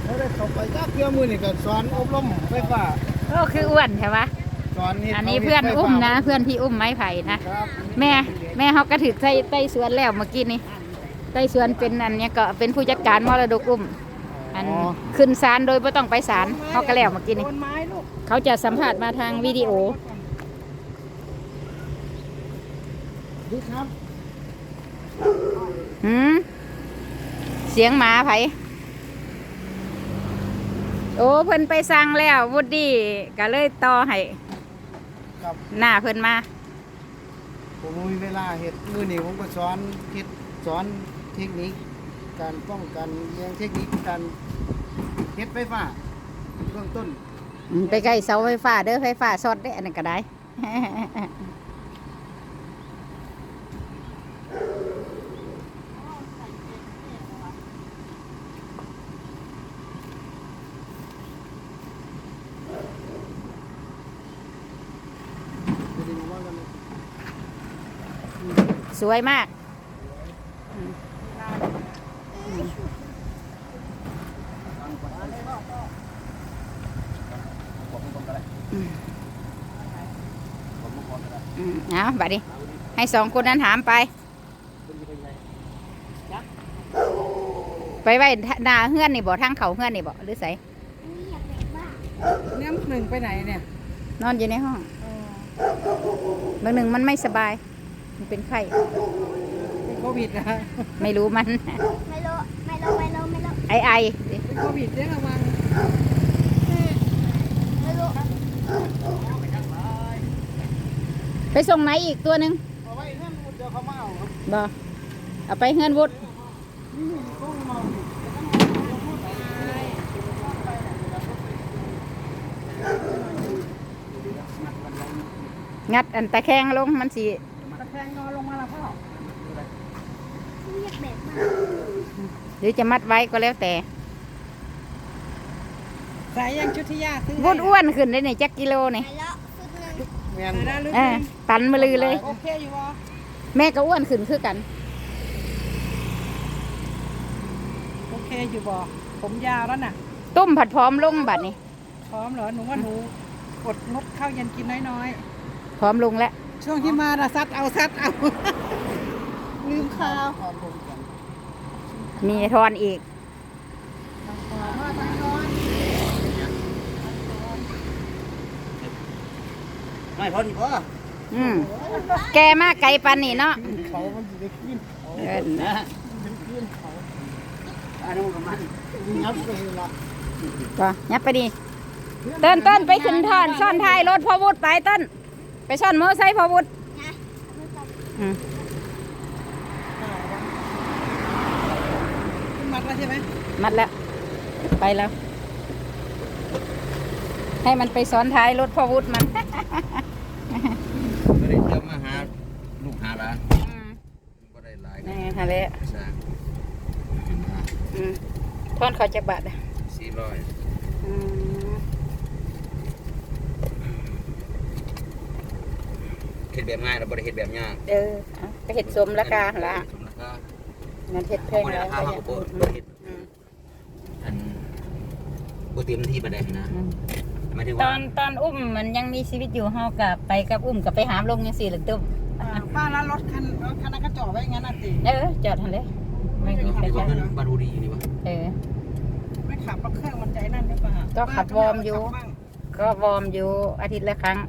เขาได้เข้าไปจักเพื่อมือนี่ก็สอนอบรมไฟฟ้าก็คืออ้วนใช่ปะสอนอันนี้เพื่อนอุ้มนะเพื่อนพี่อุ้มไม้ไผ่นะแม่เขาก็ถือใต้สวนแล้วเมื่อกี้นี้ใต้สวนเป็นอันนี้ก็เป็นผู้จัดการมรดกอุ้มอันขึ้นศาลโดยไม่ต้องไปศาลเขาก็แล้วเมื่อกี้นี้เขาจะสัมภาษณ์มาทางวิดีโอดีครับเสียงหมาไผ่โอ้เพิ่นไปสั่งแล้ววูดดี้ก็เลยต่อให้หน้าเพิ่นมาผมมีเวลาเฮ็ดมือนี่ผมก็สอนเฮ็ดสอนเทคนิคการป้องกันเรื่องเทคนิคการเฮ็ดไฟฟ้าเบื้องต้นไปใกล้เสาไฟฟ้าเด้อไฟฟ้าช็อตได้อันนั้นก็ได้สวยมากเอาบัดนี้ให้สองคนนั้นถามไปไว้หน้าเฮือนนี่บ่ทางเขาเฮือนนี่บ่หรือไสเนี่ยหนึ่งไปไหนเนี่ยนอนอยู่ในห้องบางหนึ่งมันไม่สบายมันเป็นไข้เป็นโควิดนะไม่รู้มันไม่รู้ไอเป็นโควิดเนี่ยระวังไม่รู้ไปส่งไหนอีกตัวหนึ่งเอาไว้เฮือนวุฒิเดี๋ยวเขามาเอาครับบ่เอาไปเฮือนวุฒิงัดอันตะแคงลงมันสิตะแคงนอนลงมาแล้วพ่ออยากแบบมากหรือจะมัดไว้ก็แล้วแต่สายยังชุดที่ยากซื้อวุฒิอ้วนขึ้นได้ในจักกิโลนี่ตันมาลือเลยโอเคอยู่วะแม่ก็อ้วนขึ้นคือกันโอเคอยู่บ่ผมยาวแล้วน่ะต้มผัดพร้อมลงบัดนี้พร้อมเหรอหนูว่าหนูอดงดข้าวเย็นกินน้อยพร้อมลงแล้วช่วงที่มาซัดเอาลืมข้าวมีทอนอีกไม่พอดีพ่อแกมากไกลปันนี่เนาะเขามันจะได้ขึ้นนะขึ้นเขาอันนู้นกับมันยับไปละก็ยับไปดิเต้นไปขึ้นทอนซ่อนท้ายรถพ่อวุฒิไปเต้นไปซ่อนมอไซค์พ่อวุฒิมัดแล้วใช่ไหมมัดแล้วไปแล้วให้มันไปซ้อนท้ายรถพ่อวุฒิมันก็ได้เที่ยวมาหาลูกหาหลานก็ได้หลายนี่ฮะเลยทอนเขาจากบาทอ่ะ 400เห็ดแบบง่ายเราบริเห็ดแบบยากไปเห็ดสมราคาละงั้นเห็ดแพงแล้วอันโบเตรียมที่มาได้นะตอนอุ้มมันยังมีชีวิตอยู่เฮากับไปกับอุ้มกับไปหามลงยังสี่หรือตุ้มป้าแล้วรถคันนั้นก็จอดไว้งั้นน่ะสิจอดทันเลยไม่มีใครจอดบารูดีนี่วะไม่ขับรถเครื่องมันใจนั่นหรือเปล่าก็ขับวอร์มอยู่อาทิตย์ละครั้ง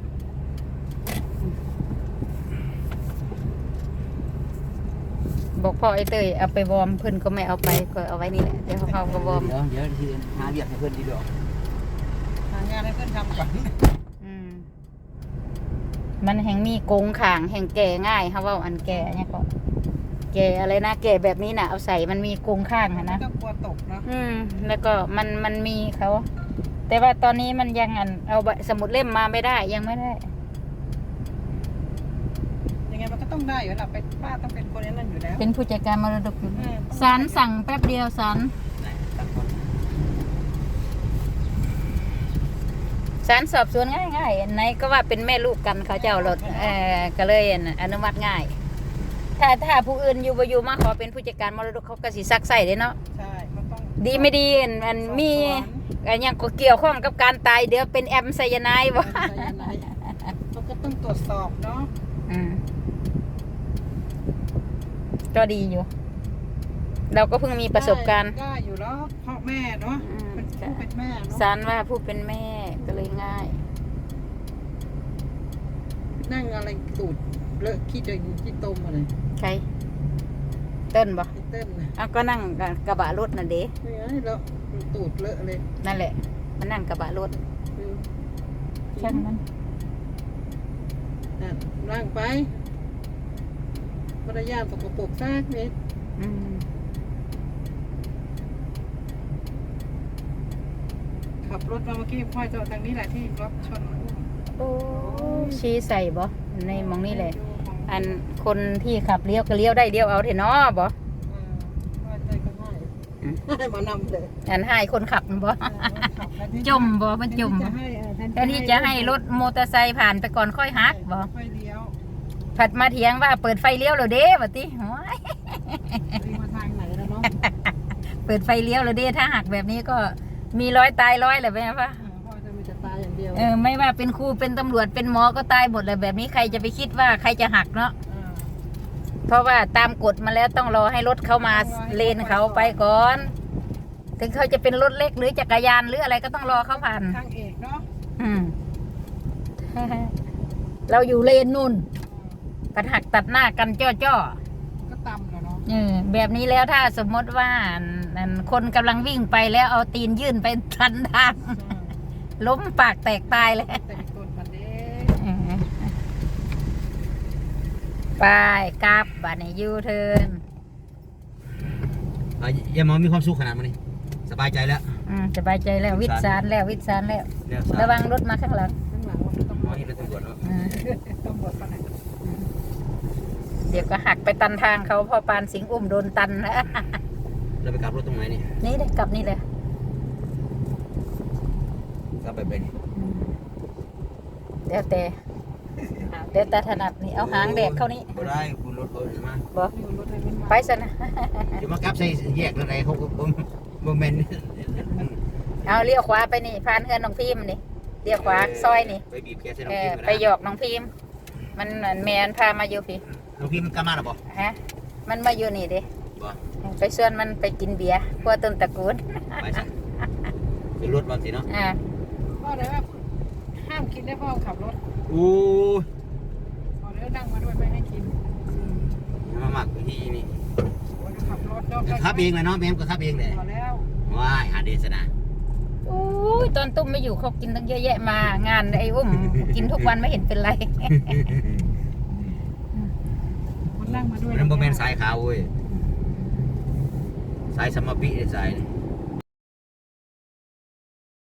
บอกพ่อไอ้เตยเอาไปวอร์มเพื่อนก็ไม่เอาไปก็เอาไว้นี่แหละเดี๋ยวเขาก็วอร์มเดี๋ยวที่หาเรียกให้เพื่อนดีดอกหางานให้เพื่อนทำก่อนมันแห่งมีโกงข่างแห่งแก่ง่ายเขาว่าอันแก่เนี่ยก็แก่อะไรนะแก่แบบนี้นะเอาใส่มันมีโกงข้างนะก็กลัวตกเนาะแล้วก็มันมีเขาแต่ว่าตอนนี้มันยังเอาสมุดเล่มมาไม่ได้ยังไม่ได้ยังไงมันก็ต้องได้อยู่แล้วป้าต้องเป็นคนนั้นอยู่แล้วเป็นผู้จัดการมรดกอยู่ศาลสั่งแป๊บเดียวศาลสอบสวนง่ายๆไหนก็ว่าเป็นแม่ลูกกันเขาเจ้ารถก็เลยอนุมัติง่ายถ้าผู้อื่นอยู่มาขอเป็นผู้จัดการมรดกเขาก็สิซักใส่เลยเนาะใช่มันต้องดีไม่ดีมันมีอันยังก็เกี่ยวข้องกับการตายเดี๋ยวเป็นแอมไซยาไนด์บ่เขาก็ต้องตรวจสอบเนาะก็ดีอยู่ เราก็เพิ่งมีประสบการณ์ได้อยู่แล้วพ่อแม่เนาะเป็นผู้เป็นแม่เนาะสารว่าผู้เป็นแม่ก็เลยง่ายนั่งอะไรตูดเลอะขี้เดินขี้ตมอะไรใครเต้นบ่ไอ้เต้นนะเอาก็นั่งกระบะรถน่ะเด้นี่ไงแล้วตูดเลอะเลยนั่นแหละมันนั่งกระบะรถช่างมันนั่งไปมารยาทสกปรกซากนิด ขับรถมาเมื่อกี้พ่อจอดทางนี้แหละที่รถชนโอ้ชี้ใส่บ่ในหมองนี่แหละ อันคนที่ขับเลี้ยวก็เลี้ยวได้เลี้ยวเอาเถอะเนาะบ่ว่าใจก็ง่ายให้มานำเลยอันให้คนขับมันบ่จมบ่มันจมบ่แทนที่จะให้รถมอเตอร์ไซค์ผ่านไปก่อนค่อยหักบ่ไฟเลี้ยวผัดมาเถียงว่าเปิดไฟเลี้ยวแล้วเด้ว่าติโอ้ยวิ่งมาทางไหนแล้วเนาะเปิดไฟเลี้ยวแล้วเด้ถ้าหักแบบนี้ก็มีร้อยตายร้อยแหละแม่ป่ะพ่อจะมีแต่ตายอย่างเดียวไม่ว่าเป็นครูเป็นตำรวจเป็นหมอก็ตายหมดเลยแบบนี้ใครจะไปคิดว่าใครจะหักเนาะเพราะว่าตามกฎมาแล้วต้องรอให้รถเข้ามาเลนเขาไปก่อน ถึงเขาจะเป็นรถเล็กหรือจักรยานหรืออะไรก็ต้องรอเขาผ่านทางเอกเนาะเราอยู่เลนนู่นกันหักตัดหน้ากันจ้อก็ตำแล้วเนาะแบบนี้แล้วถ้าสมมติว่าคนกำลังวิ่งไปแล้วเอาตีนยื่นไปทันทางล้มปากแตกตายเลยแต่งต้นปันเด้ไปกลับบ้านในยูเทิร์นยายหมอมีความสุขขนาดนี้สบายใจแล้วสบายใจแล้ววิทย์สารแล้ววิทย์สารแล้วเนี่ยระวังรถมาข้างหลังข้างหลังมันต้องหมอเห็นแล้วตำรวจแล้วตำรวจปะไหนเดี๋ยวก็หักไปตันทางเขาพอปานสิงห์อุ้มโดนตันนะเราไปกลับรถตรงไหนนี่นี่เลยกลับนี่เลยกลับไปไปนี่เดี๋ยวแต่ถนัดนี่เอาหางแดกเข้านี่บ่ได้คุณรถเขามาบอกอยู่รถอะไรไม่มาไปซะนะเดี๋ยวมากลับใส่แยกอะไรเขาก็บ่แม่นเอาเลี้ยวขวาไปนี่ผ่านเฮือนน้องพิมพ์นี่เลี้ยวขวาซอยนี่ไปบีบแกใส่น้องพิมพ์ไปหยอกน้องพิมพ์มันแมนพามาอยู่พี่น้องพิมพ์กลับมาหรอบ่ฮะมันมาอยู่นี่เด้บ่ไปชวนมันไปกินเบียร์พวกต้นตระกูลไปซะเป็นรถบางสิเนาะพ่อเลยว่าห้ามกินได้พ่อขับรถโอ้ยพ่อเลยนั่งมาด้วยไม่ให้กินมาหมักวิธีนี่โอ้ยขับรถเนาะขับเองเลยเนาะแม่มก็ขับเองเลยพอแล้วว้ายหาเดชนะโอ้ยตอนตุ้มไม่อยู่เขากินตั้งเยอะแยะมางานไอ้อุ้ม กินทุกวันไม่เห็นเป็นไรมันนั่งมาด้วยมันบ่แม่นสายขาวเว้ยสายสมปิสายนี่